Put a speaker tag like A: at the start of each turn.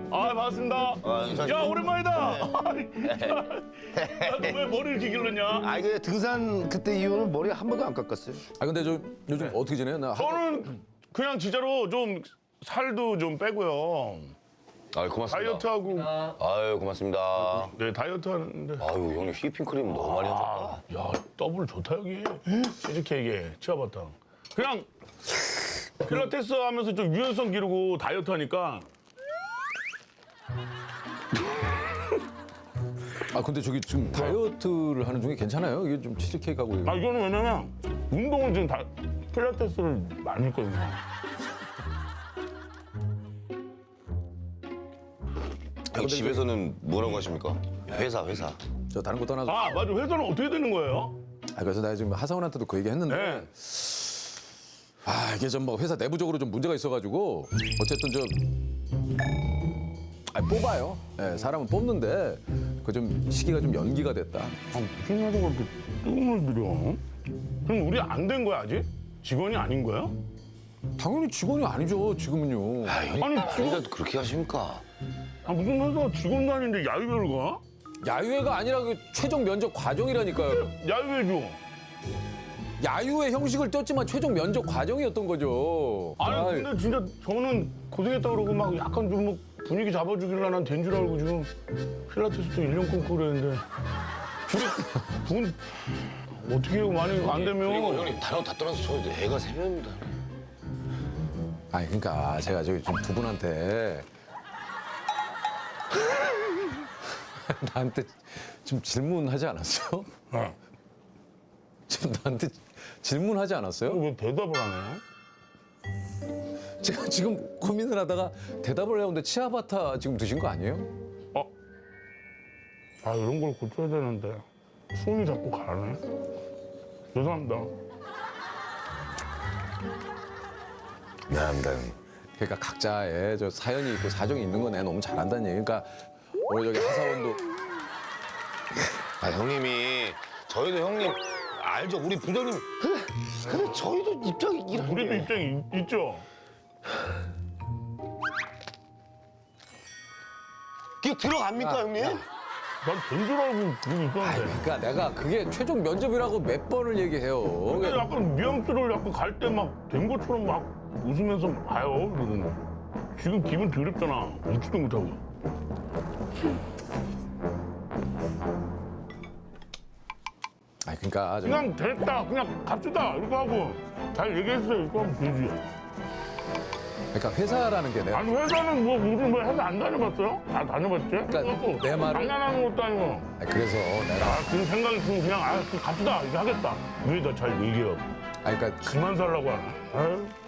A: 아, 반갑습니다. 야, 오랜만이다. 야, 너 왜 머리를 이렇게 길렀냐?
B: 아 이게 등산 그때 이후로 머리 한 번도 안 깎았어요.
C: 아 근데 저 요즘 어떻게 지내요? 나
A: 저는 그냥 진짜로 좀 살도 좀 빼고요.
D: 아유 고맙습니다.
A: 다이어트하고.
D: 아유 고맙습니다.
A: 네, 다이어트 하는데.
D: 아유 형님 휘핑크림 너무 많이 하셨다.
A: 야, 더블 좋다, 여기. 치즈케이크에 치아바탕. 그냥 필라테스 하면서 좀 유연성 기르고 다이어트 하니까.
C: 아 근데 저기 지금 다이어트를 하는 중에 괜찮아요? 이게 좀 치즈케이크하고 이거.
A: 아, 이거는 왜냐면 운동을 지금 필라테스를 많이 했거든요.
D: 형 집에서는 뭐라고 하십니까? 회사.
C: 저 다른 거 떠나서.
A: 아, 맞아. 회사는 어떻게 되는 거예요?
C: 아 그래서 내가 지금 하사원한테도 그 얘기 했는데.
A: 네.
C: 아 이게 좀 뭐 회사 내부적으로 좀 문제가 있어가지고 어쨌든 뽑아요. 예, 사람은 뽑는데 그 좀 시기가 좀 연기가 됐다.
A: 아, 무슨 회사가 그렇게 뜸을 들여? 그럼 우리 안 된 거야, 아직? 직원이 아닌 거야?
C: 당연히 직원이 아니죠 지금은요.
D: 아 형님
A: 아니,
D: 아니라도 그렇게 하십니까?
A: 아, 무슨 회사가 직원도 아닌데 야유회를 가?
C: 야유회가 아니라 그 최종 면접 과정이라니까요.
A: 야유회죠.
C: 야유회 형식을 떴지만 최종 면접 과정이었던 거죠.
A: 아니, 근데 진짜 저는 고생했다 그러고 막 약간 좀 뭐 분위기 잡아주길래 난 된 줄 알고 지금 필라테스도 1년 끊고 그랬는데. 돈 어떻게 해요? 많이 안
D: 그리고
A: 되면.
D: 형님 다른 거 다 떠나서 저 애가 3명입니다.
C: 아니 그러니까 제가 저기 지금 두 분한테 나한테 지금 질문하지 않았어요?
A: 네.
C: 지금 나한테 질문하지 않았어요?
A: 왜 대답을 안 해요?
C: 제가 지금 고민을 하다가 대답을 해오는데 치아바타 지금 드신 거 아니에요?
A: 아, 이런 걸 고쳐야 되는데 숨이 자꾸 가네. 죄송합니다.
D: 미안합니다 형님.
C: 그러니까 각자의 저 사연이 있고 사정이 있는 건 내가 너무 잘한다는 얘기. 그러니까 우리 저기 하사원도
D: 아 형님이 저희도 형님 알죠? 우리 부장님
B: 근데 저희도 입장이 이런
A: 우리도
B: 게.
A: 입장이 있죠?
B: 그게 들어갑니까 형님?
A: 난 된 줄 알고 그러고
C: 아니,
A: 있었는데.
C: 그러니까 내가 그게 최종 면접이라고 몇 번을 얘기해요.
A: 근데 약간 뉘앙스를 약간 갈 때 막 된 것처럼 막 웃으면서 봐요. 그러더니 지금 기분 더럽잖아. 웃지도 못하고.
C: 아니 그러니까 저
A: 그냥 됐다. 그냥 갑시다. 이렇게 하고 잘 얘기했어요. 이렇게 하면 되지.
C: 그러니까 회사라는 게 내가
A: 아니 회사는 뭐 우리 뭐 회사 안 다녀봤어요? 다 다녀봤지?
C: 그러니까 내 말을-
A: 장난하는 것도 아니고.
C: 아니, 그래서 내가
A: 아, 그 생각이 들면 그냥 아, 그 갑시다. 이렇게 하겠다. 왜 나 잘 얘기해요.
C: 아니 그러니까
A: 그만 살라고 하나. 아유.